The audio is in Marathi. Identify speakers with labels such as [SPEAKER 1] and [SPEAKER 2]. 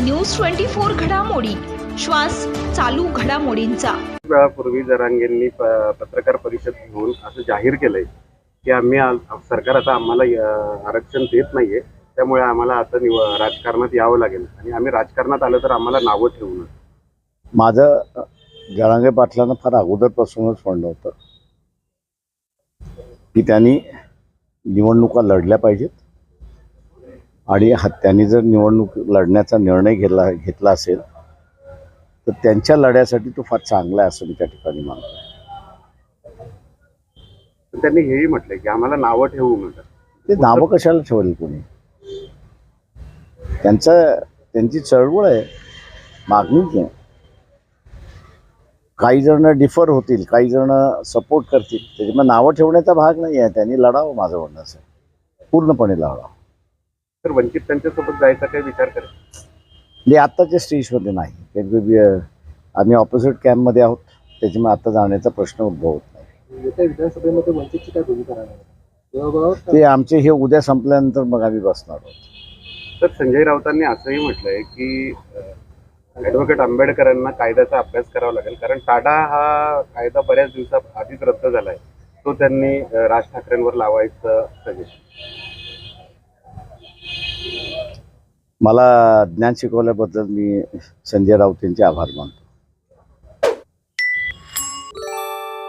[SPEAKER 1] न्यूज 24 घडामोडी, श्वास चालू घडामोडींचा।
[SPEAKER 2] वेळापूर्वी जरांगेंनी पत्रकार परिषद घेऊन असं जाहीर केलंय की सरकार आता आम्हाला आरक्षण देत नाहीये, त्यामुळे आम्हाला आता राजकारणात यावं लागेल आणि आम्ही राजकारणात आलं तर आम्हाला नावं ठेवू।
[SPEAKER 3] माझं जरांगे पाटलांना फार अगोदरपासूनच म्हणणं होतं की त्यांनी निवडणुका लढल्या पाहिजेत आणि त्यांनी जर निवडणूक लढण्याचा निर्णय घेतला असेल तर त्यांच्या लढ्यासाठी तो फार चांगला आहे असं मी त्या ठिकाणी मानतो।
[SPEAKER 2] त्यांनी हेही म्हटलंय की आम्हाला नावं ठेवू नका।
[SPEAKER 3] ते नावं कशाला ठेवली कोणी? त्यांची चळवळ आहे, मागणीच आहे। काही जण डिफर होतील, काही जण सपोर्ट करतील, त्याच्यामुळे नावं ठेवण्याचा भाग नाही आहे। त्यांनी लढावं, माझं म्हणणं असं पूर्णपणे लढावं।
[SPEAKER 2] तर वंचित त्यांच्यासोबत जायचा काही विचार करेल?
[SPEAKER 3] म्हणजे आत्ताच्या स्टेजमध्ये नाही, कारण आम्ही ऑपोजिट कॅम्पमध्ये आहोत, त्याच्यामुळे आता जाण्याचा प्रश्न उद्भवत नाही।
[SPEAKER 4] येत्या विधानसभेमध्ये वंचितची काय भूमिका राहणार?
[SPEAKER 3] ते आमचे हे उद्या संपल्यानंतर मग आम्ही बसणार आहोत।
[SPEAKER 2] तर संजय राऊतांनी असंही म्हटलंय की ॲडव्होकेट आंबेडकरांना कायद्याचा अभ्यास करावा लागेल, कारण टाडा हा कायदा बऱ्याच दिवसाआधीच रद्द झालाय, तो त्यांनी राज ठाकरेंवर लावायचं सजेशन।
[SPEAKER 3] मला ज्ञान शिकवल्याबद्दल मी संजय राऊत यांचे आभार मानतो।